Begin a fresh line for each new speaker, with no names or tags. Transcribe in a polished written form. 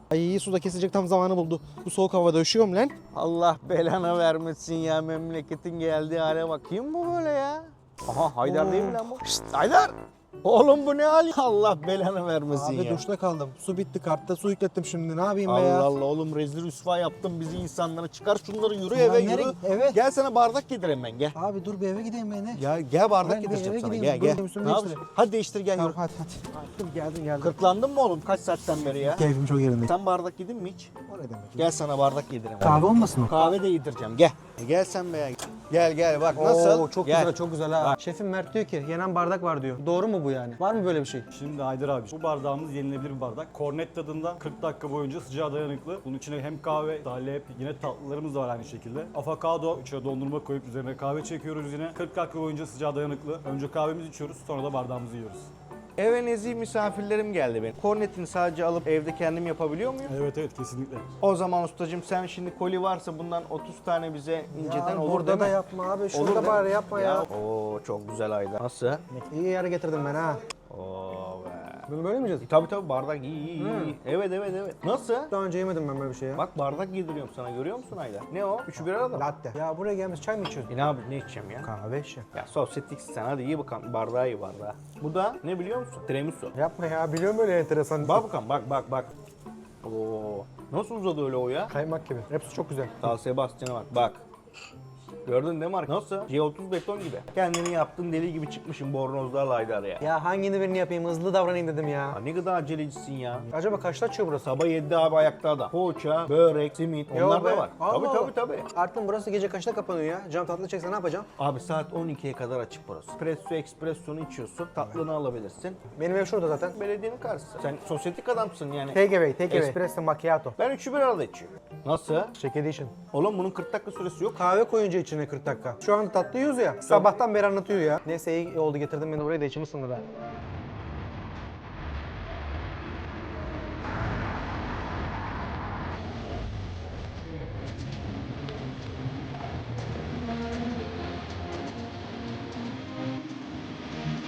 Ay suda kesecek tam zamanı buldu. Bu soğuk havada üşüyorum lan.
Allah belanı vermesin ya, memleketin geldiği hale bak. Kim bu böyle ya? Aha Haydar değil mi lan bu? Şşt Haydar! Oğlum bu ne hal? Allah belanı vermesin
Abi
ya.
duşta kaldım. Su bitti, kartta su yüklettim şimdi. Ne yapayım be
Allah
ya?
Allah oğlum, rezil rüsva yaptın bizi insanlara. Çıkar şunları, yürü
Ya
eve
nereye-
yürü.
eve?
Gel sana bardak getireyim ben, gel.
Abi dur bir eve gideyim ben.
Ya gel bardak
Ben bir
getireceğim
eve
sana,
gideyim,
gel
dur,
gel.
üstümü
Ne
değiştireyim.
yapıyorsun? Hadi değiştir gel
Tamam
yürü.
hadi. Dur geldim.
Kırklandın mı oğlum kaç saatten beri ya?
Keyfim çok yerinde.
Sen bardak yedin mi hiç?
O ne demek?
Gel sana bardak yedireyim.
Kahve olmasın o?
Kahve de yedireceğim, gel. Gel sen be ya. Gel bak nasıl?
Oo, çok
Gel.
güzel, çok güzel ha. Şefim Mert diyor ki yenen bardak var diyor. Doğru mu bu yani? Var mı böyle bir şey?
Şimdi Haydar abi, bu bardağımız yenilebilir bir bardak. Kornet tadında 40 dakika boyunca sıcağa dayanıklı. Bunun içine hem kahve, salep, yine tatlılarımız da var aynı şekilde. Avokado, içine dondurma koyup üzerine kahve çekiyoruz yine. 40 dakika boyunca sıcağa dayanıklı. Önce kahvemizi içiyoruz, sonra da bardağımızı yiyoruz.
Eve nezih misafirlerim geldi benim. Kornetini sadece alıp evde kendim yapabiliyor muyum?
Evet kesinlikle.
O zaman ustacığım sen şimdi koli varsa bundan 30 tane bize inceden olur
burada
değil
da
mi?
yapma abi.
Olur
Şurada
değil
bari
mi?
yapma ya.
Oo çok güzel Ayda. Nasıl?
İyi yere getirdim ben ha.
Oo be.
Bunu böyle mi yiyeceğiz?
Tabii bardak iyi. Evet. Nasıl?
Daha önce yemedim ben böyle bir şey ya.
Bak bardak yediriyorum sana, görüyor musun Ayda? Ne o? Üçü bir arada mı?
Latte. Ya buraya gelmiş çay mı içiyorsun?
Ne abi, ne içeceğim ya?
Kahve işte.
Ya sosyetiksin sen, hadi iyi bakalım, bardağı iyi bardağı. Bu da ne biliyor musun? Tiramisu.
Yapma ya, biliyorum öyle enteresan.
Bak bakalım, bak. Oo. Nasıl uzadı öyle o ya?
Kaymak gibi. Hepsi çok güzel.
Sağ Sebastian'a bak. Gördün değil mi Mark? Nasıl? G30 beton gibi. Kendini yaptın deli gibi çıkmışım bornozlarla Haydar ya.
Ya hangini birini yapayım, hızlı davranayım dedim ya.
Ya ne kadar acelecisin ya.
Acaba kaçta açıyor burası?
Sabah 7'de abi ayakta adam. Poğaça, börek, simit onlar da var. Tabii.
Artık burası gece kaçta kapanıyor ya? Cam tatlı çekse ne yapacağım?
Abi saat 12'ye kadar açık burası. Espresso'nu içiyorsun, tatlını alabilirsin.
Benim ev şurada zaten.
Belediyenin karşısı. Sen sosyetik adamsın yani.
Take away.
Es-
Espresso macchiato.
Ben üçü bir arada içiyorum. Nasıl?
Shake edition.
Oğlum bunun 40 dakika süresi yok.
Kahve koyunca içine 40 dakika. Şu an tatlı yiyoruz ya. Sabahtan beri anlatıyor ya. Neyse iyi oldu, getirdim beni oraya da içimi ısındır ha.